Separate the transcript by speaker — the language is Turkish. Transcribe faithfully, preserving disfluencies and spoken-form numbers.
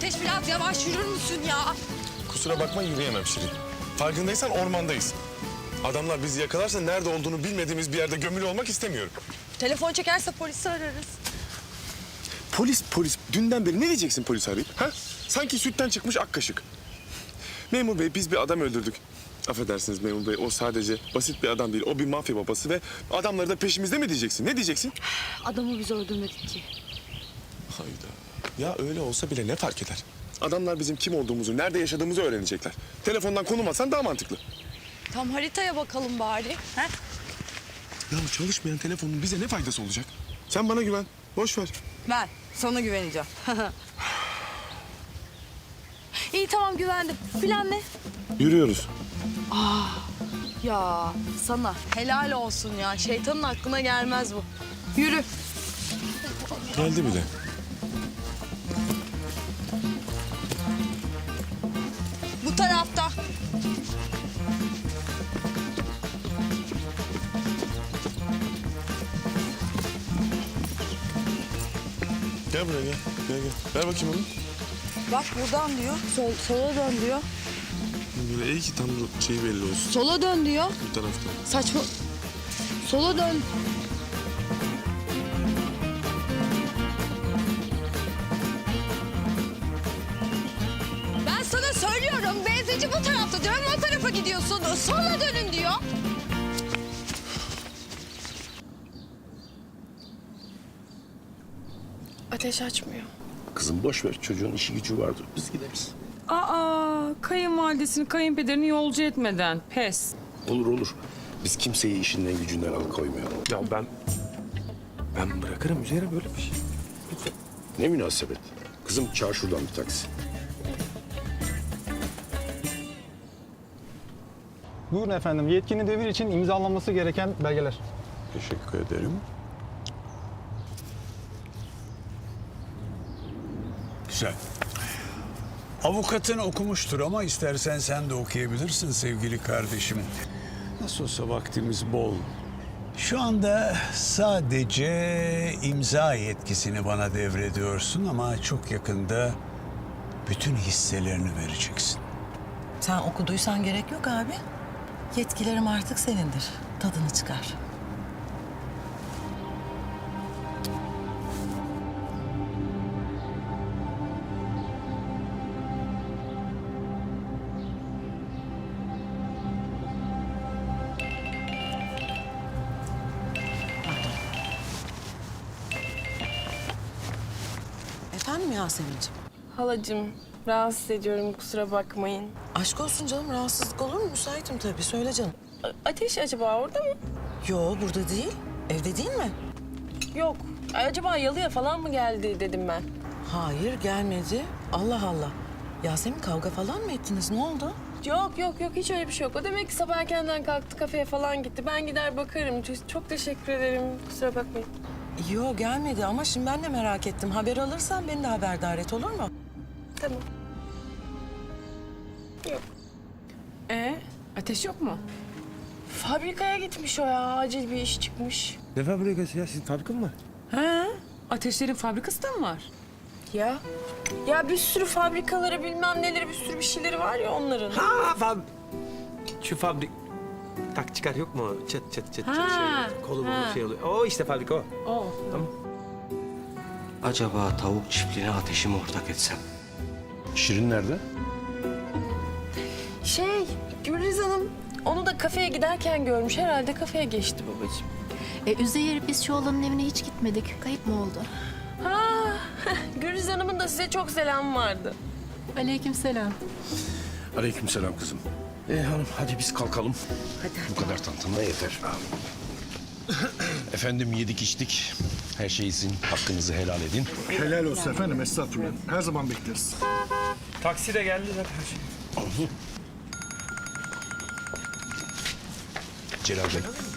Speaker 1: Ateş biraz yavaş yürür müsün ya?
Speaker 2: Kusura bakma yürüyemem Şirin. Farkındaysan ormandayız. Adamlar bizi yakalarsa nerede olduğunu bilmediğimiz bir yerde gömülü olmak istemiyorum.
Speaker 1: Telefon çekerse polisi ararız.
Speaker 2: Polis polis. Dünden beri ne diyeceksin polis arayıp? Ha? Sanki sütten çıkmış ak kaşık. Memur bey biz bir adam öldürdük. Affedersiniz memur bey o sadece basit bir adam değil. O bir mafya babası ve adamları da peşimizde mi diyeceksin? Ne diyeceksin?
Speaker 1: Adamı biz öldürmedik ki.
Speaker 2: Hayda. Ya öyle olsa bile ne fark eder? Adamlar bizim kim olduğumuzu, nerede yaşadığımızı öğrenecekler. Telefondan konum atsan daha mantıklı.
Speaker 1: Tam haritaya bakalım bari. Ha?
Speaker 2: Ya çalışmayan telefonun bize ne faydası olacak? Sen bana güven. Boş ver.
Speaker 1: Ben sana güveneceğim. İyi tamam güvendim. Plan ne?
Speaker 2: Yürüyoruz.
Speaker 1: Ya sana helal olsun ya. Şeytanın aklına gelmez bu. Yürü.
Speaker 2: Geldi bile.
Speaker 1: Bu tarafta.
Speaker 2: Gel buraya gel. Gel gel. Ver bakayım onu.
Speaker 1: Bak buradan diyor. Sol, sola dön diyor.
Speaker 2: Böyle iyi ki tam şeyi belli olsun.
Speaker 1: Sola dön diyor.
Speaker 2: Bu tarafta.
Speaker 1: Saçma. Sola dön. Ben sana söylüyorum. Benzinci bu tarafta diyorum. O tarafa gidiyorsun. Sola dönün diyor.
Speaker 3: Ateş açmıyor.
Speaker 4: Kızım boş ver çocuğun işi gücü vardır biz gideriz.
Speaker 5: Aa, kayınvalidesini kayınpederini yolcu etmeden pes.
Speaker 4: Olur olur. Biz kimseyi işinden gücünden alıkoymayalım.
Speaker 6: Ya ben... Ben bırakırım üzerine böyle bir şey.
Speaker 4: Ne münasebet. Kızım çağır şuradan bir taksi.
Speaker 7: Buyurun efendim. Yetkinin devir için imzalanması gereken belgeler.
Speaker 4: Teşekkür ederim.
Speaker 8: Güzel. Avukatın okumuştur ama istersen sen de okuyabilirsin sevgili kardeşim. Nasıl olsa vaktimiz bol. Şu anda sadece imza yetkisini bana devrediyorsun ama çok yakında bütün hisselerini vereceksin.
Speaker 9: Sen okuduysan gerek yok abi. Yetkilerim artık senindir. Tadını çıkar. Efendim Yasemin'ciğim?
Speaker 3: Halacığım, rahatsız ediyorum kusura bakmayın.
Speaker 9: Aşk olsun canım. Rahatsızlık olur mu? Müsaitim tabii. Söyle canım.
Speaker 3: A- Ateş acaba orada mı?
Speaker 9: Yo burada değil. Evde değil mi?
Speaker 3: Yok. Acaba yalıya falan mı geldi dedim ben.
Speaker 9: Hayır gelmedi. Allah Allah. Yasemin kavga falan mı ettiniz? Ne oldu?
Speaker 3: Yok yok yok hiç öyle bir şey yok. O demek ki sabah erkenden kalktı kafeye falan gitti. Ben gider bakarım. Çok, çok teşekkür ederim. Kusura bakmayın.
Speaker 9: Yo gelmedi ama şimdi ben de merak ettim. Haber alırsan beni de haberdar et olur mu?
Speaker 3: Tamam. Yok.
Speaker 5: E, ateş yok mu?
Speaker 3: Fabrikaya gitmiş o ya. Acil bir iş çıkmış.
Speaker 6: Ne fabrikası ya? Sizin fabrika mı var?
Speaker 5: Ha? Ateşlerin fabrikası da mı var?
Speaker 3: Ya. Ya bir sürü fabrikaları bilmem neleri bir sürü bir şeyleri var ya onların.
Speaker 6: Ha fab... Şu fabrik... Tak çıkar yok mu? Çıt çıt çıt
Speaker 5: Ha,
Speaker 6: çıt şey. Kolu
Speaker 5: ha.
Speaker 6: bulu şey oluyor. O işte fabrika o.
Speaker 5: O.
Speaker 10: Acaba tavuk çiftliğine ateşi mi ortak etsem?
Speaker 4: Şirin nerede?
Speaker 3: Şey, Gülriz Hanım onu da kafeye giderken görmüş. Herhalde kafeye geçti babacığım.
Speaker 11: E, Üzeyir biz şu oğlanın evine hiç gitmedik. Kayıp mı oldu?
Speaker 3: Ha, Gülriz Hanım'ın da size çok selam vardı.
Speaker 11: Aleykümselam.
Speaker 4: Aleykümselam kızım. Ee hanım hadi biz kalkalım. Hadi. Bu kadar tantana yeter. Efendim yedik içtik. Her şey için hakkınızı helal edin.
Speaker 2: Helal olsun efendim estağfurullah. Her zaman bekleriz.
Speaker 6: Taksi de geldi zaten her şey.
Speaker 4: Celal Bey